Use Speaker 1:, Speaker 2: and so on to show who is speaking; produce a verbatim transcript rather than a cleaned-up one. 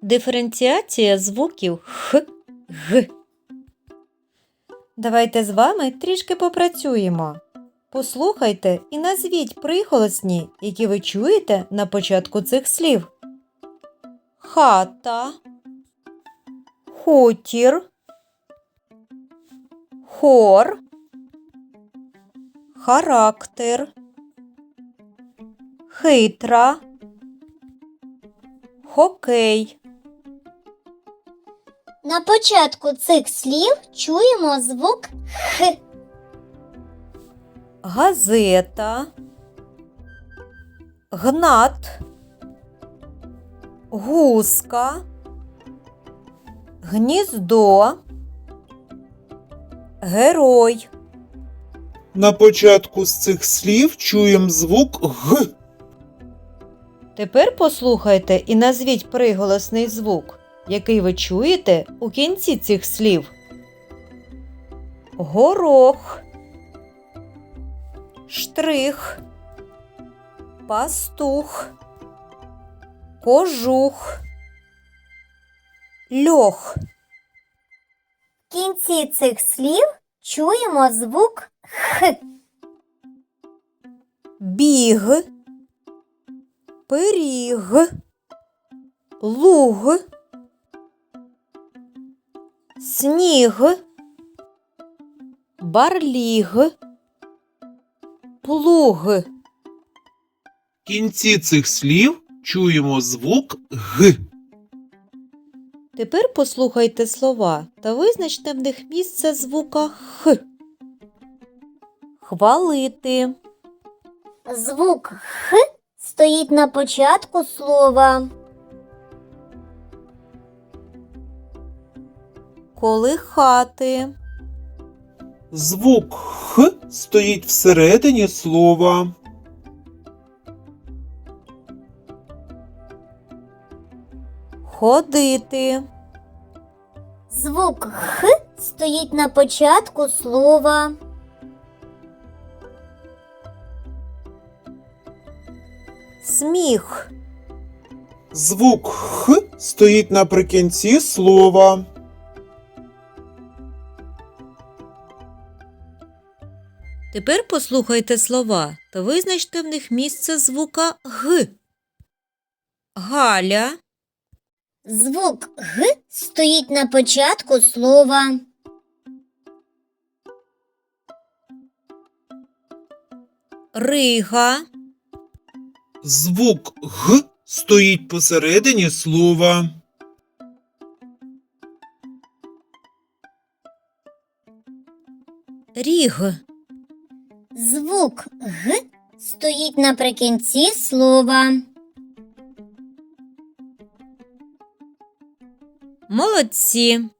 Speaker 1: Диференціація звуків х, г. Давайте з вами трішки попрацюємо. Послухайте і назвіть приголосні, які ви чуєте на початку цих слів. Хата, хутір, хор, характер, хитра, хокей.
Speaker 2: На початку цих слів чуємо звук Х.
Speaker 1: Газета, гнат, гуска, гніздо, герой.
Speaker 3: На початку з цих слів чуємо звук Г.
Speaker 1: Тепер послухайте і назвіть приголосний звук, який ви чуєте у кінці цих слів. Горох, штрих, пастух, кожух, льох.
Speaker 2: В кінці цих слів чуємо звук Х.
Speaker 1: Біг, пиріг, луг, сніг, барліг, плуг.
Speaker 3: В кінці цих слів чуємо звук Г.
Speaker 1: Тепер послухайте слова та визначте в них місце звука Х. Хвалити,
Speaker 2: Звук Х стоїть на початку слова.
Speaker 1: колихати,
Speaker 3: Звук Х стоїть всередині слова.
Speaker 1: ходити,
Speaker 2: Звук Х стоїть на початку слова.
Speaker 1: сміх,
Speaker 3: Звук Х стоїть наприкінці слова.
Speaker 1: Тепер послухайте слова та визначте в них місце звука Г. Галя,
Speaker 2: Звук Г стоїть на початку слова.
Speaker 1: Рига,
Speaker 3: Звук Г стоїть посередині слова.
Speaker 1: ріг,
Speaker 2: Звук Г стоїть наприкінці слова.
Speaker 1: молодці!